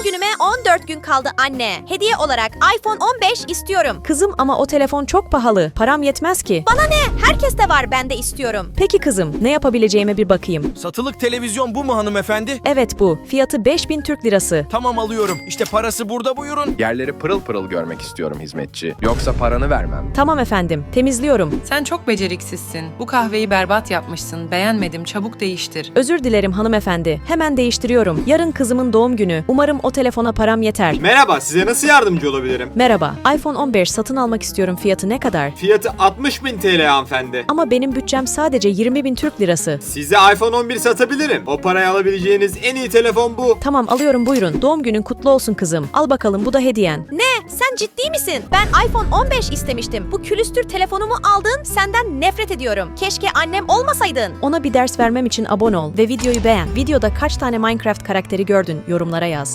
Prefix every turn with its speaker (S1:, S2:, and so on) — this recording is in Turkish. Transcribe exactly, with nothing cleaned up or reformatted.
S1: günüme on dört gün kaldı anne. Hediye olarak iPhone on beş istiyorum.
S2: Kızım ama o telefon çok pahalı. Param yetmez ki.
S1: Bana ne? Herkes de var, ben de istiyorum.
S2: Peki kızım, ne yapabileceğime bir bakayım.
S3: Satılık televizyon bu mu hanımefendi?
S2: Evet bu. Fiyatı beş bin Türk lirası.
S3: Tamam alıyorum. İşte parası burada, buyurun.
S4: Yerleri pırıl pırıl görmek istiyorum hizmetçi. Yoksa paranı vermem.
S2: Tamam efendim, temizliyorum.
S5: Sen çok beceriksizsin. Bu kahveyi berbat yapmışsın. Beğenmedim. Çabuk değiştir.
S2: Özür dilerim hanımefendi. Hemen değiştiriyorum. Yarın kızımın doğum günü. Umarım o telefona param yeter.
S6: Merhaba, size nasıl yardımcı olabilirim?
S2: Merhaba. iPhone on beş satın almak istiyorum. Fiyatı ne kadar?
S6: Fiyatı altmış bin T L hanımefendi.
S2: Ama benim bütçem sadece yirmi bin Türk lirası.
S6: Size iPhone on bir satabilirim. O paraya alabileceğiniz en iyi telefon bu.
S2: Tamam alıyorum buyurun. Doğum günün kutlu olsun kızım. Al bakalım bu da hediyen.
S1: Ne? Sen ciddi misin? Ben iPhone on beş istemiştim. Bu külüstür telefonumu aldın, senden nefret ediyorum. Keşke annem olmasaydın.
S2: Ona bir ders vermem için abone ol ve videoyu beğen. Videoda kaç tane Minecraft karakteri gördün? Yorumlara yaz.